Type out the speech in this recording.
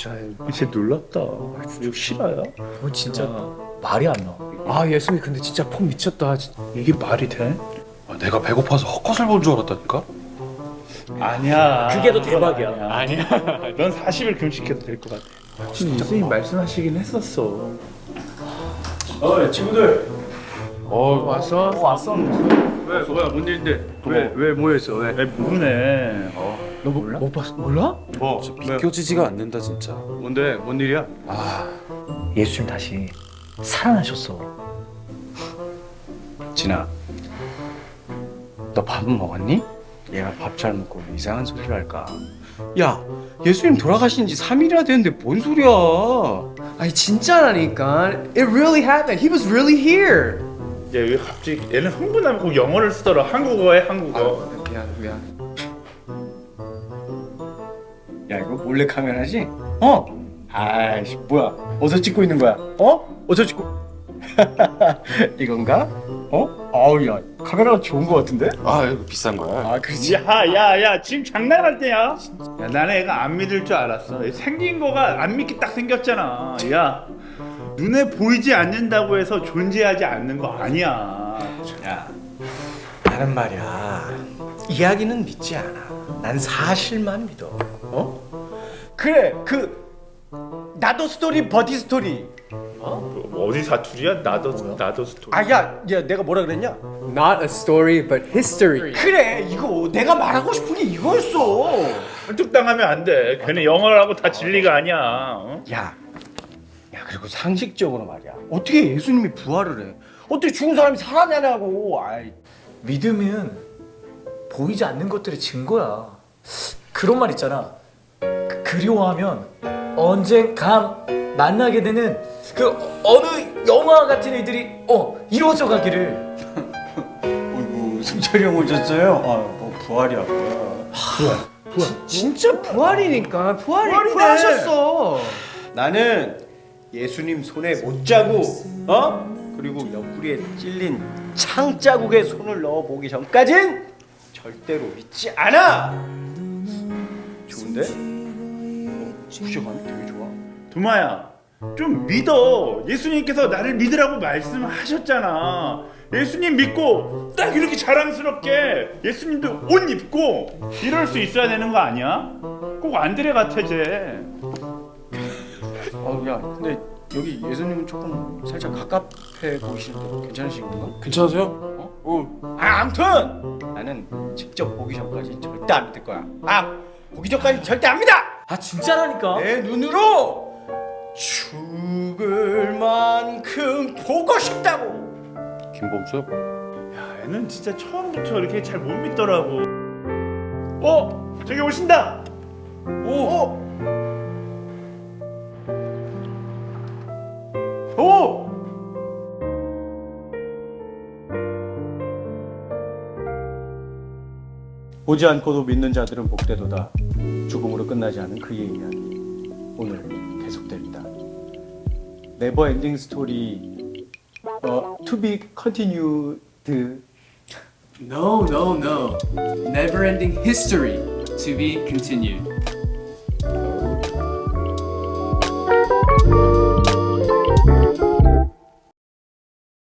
진짜 이제 놀랍다. 이거 실화야? 이거 진짜 말이 안 나와. 아 예수님 근데 진짜 폼 미쳤다. 이게 말이 돼? 내가 배고파서 헛것을 본 줄 알았다니까. 아니야. 그게 더 대박이야. 아니야. 넌 40일 금식해도 될 것 같아. 예수님 말씀하시긴 했었어. 친구들. 왔어? 왜 뭐야 뭔 일인데? 왜 모였어? 왜 모르네. 너 못 봤어? 몰라? 뭐? 믿겨지지가 않는다 진짜. 뭔데? 뭔 일이야? 예수님 다시 살아나셨어. 진아, 너 밥은 먹었니? 얘가 밥 잘 먹고 이상한 소리를 할까? 야, 예수님 돌아가신 지 3일이나 됐는데 뭔 소리야? 아니 진짜라니까. It really happened. He was really here. 얘왜 갑자기 얘는 흥분하면 꼭 영어를 쓰더라. 한국어에 한국어. 미안. 야, 이거 몰래 카메라지? 어? 아이씨, 뭐야? 어디서 찍고 있는 거야? 어? 어디서 찍고? 이건가? 어? 아우, 야, 카메라가 좋은 거 같은데? 아 이거 비싼 거야. 아, 그렇지. 야야야 지금 장난할 때야? 야 나는 애가 안 믿을 줄 알았어. 생긴 거가 안 믿게 딱 생겼잖아. 야 눈에 보이지 않는다고 해서 존재하지 않는 거 아니야. 야, 나는 말이야. 이야기는 믿지 않아. 난 사실만 믿어. 어? 그래, 나도 스토리 버디 스토리. 어디 사투리야? 나도 스토리. 야, 내가 뭐라 그랬냐? Not a story, but history. 그래, 이거 내가 말하고 싶은 게 이거였어. 설득당하면 안 돼. 걔네 영어를 하고 다 진리가 아니야. 어? 야, 그리고 상식적으로 말이야. 어떻게 예수님이 부활을 해? 어떻게 죽은 사람이 살아나냐고. 아이, 믿음은 보이지 않는 것들의 증거야. 그런 말 있잖아. 그리워하면 언젠가 만나게 되는 그 어느 영화 같은 일들이 이루어져 가기를. 어이구, 승철이 형 오셨어요? 부활이야. 진짜 부활이니까. 부활하셨어. 나는 예수님 손에 못 자고, 그리고 옆구리에 찔린 창 자국에 손을 넣어 보기 전까진 절대로 믿지 않아. 좋은데? 부셔감이 되게 좋아. 두마야 좀 믿어. 예수님께서 나를 믿으라고 말씀하셨잖아. 예수님 믿고 딱 이렇게 자랑스럽게 예수님도 옷 입고 이럴 수 있어야 되는 거 아니야? 꼭 안드레 같아 쟤. 야, 근데 여기 예수님은 조금 살짝 가깝게 보이시는데 괜찮으신 건가? 괜찮으세요? 아무튼 나는 직접 보기 전까지 절대 안 믿을 거야. 보기 전까지 절대 안 믿어. 진짜라니까. 내 눈으로 죽을 만큼 보고 싶다고. 김범수? 야 얘는 진짜 처음부터 이렇게 잘 못 믿더라고. 저기 오신다. 보지 않고도 믿는 자들은 복되도다. 죽음으로 끝나지 않은 그의 이야기 오늘 계속됩니다. 네버 엔딩 스토리 to be continued. No. Never ending history to be continued.